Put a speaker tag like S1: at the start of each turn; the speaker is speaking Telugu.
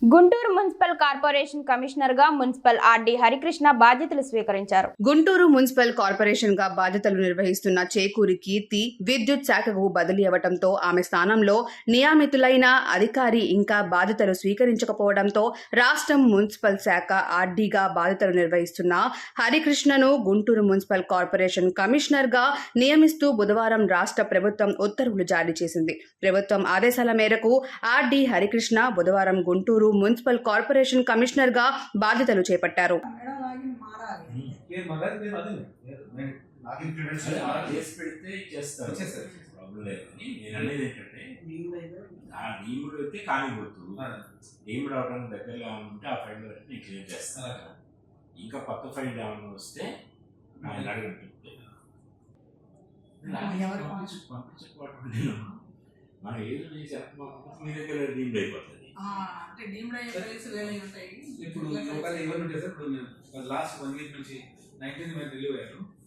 S1: గుంటూరు మున్సిపల్ కార్పొరేషన్ కమిషనర్ గా మున్సిపల్ ఆర్డీ హరికృష్ణ బాధ్యతలు స్వీకరించారు.
S2: గుంటూరు మున్సిపల్ కార్పొరేషన్ గా బాధ్యతలు నిర్వహిస్తున్న చేకూరి కీర్తి విద్యుత్ శాఖకు బదిలీ అవ్వడంతో ఆమె స్థానంలో నియమితులైన అధికారి ఇంకా బాధ్యతలు స్వీకరించకపోవడంతో రాష్ట్రం మున్సిపల్ శాఖ ఆర్డీగా బాధ్యతలు నిర్వహిస్తున్న హరికృష్ణను గుంటూరు మున్సిపల్ కార్పొరేషన్ కమిషనర్ గా నియమిస్తూ బుధవారం రాష్ట్ర ప్రభుత్వం ఉత్తర్వులు జారీ చేసింది. ప్రభుత్వం ఆదేశాల మేరకు ఆర్డీ హరికృష్ణ బుధవారం గుంటూరు మున్సిపల్ కార్పొరేషన్ కమిషనర్ గా బాధ్యతలు చేపట్టారు.
S3: ఇంకా కొత్త ఫైల్ ఏమైనా వస్తే ఆయన అడగండి. మనం ఏదో చేసి మీ దగ్గర డీమ్డ్ అయిపోతుంది.
S4: ఇప్పుడు లాస్ట్ 1 వీక్ నుంచి 19 మంది రిలీవ్ అయ్యారు.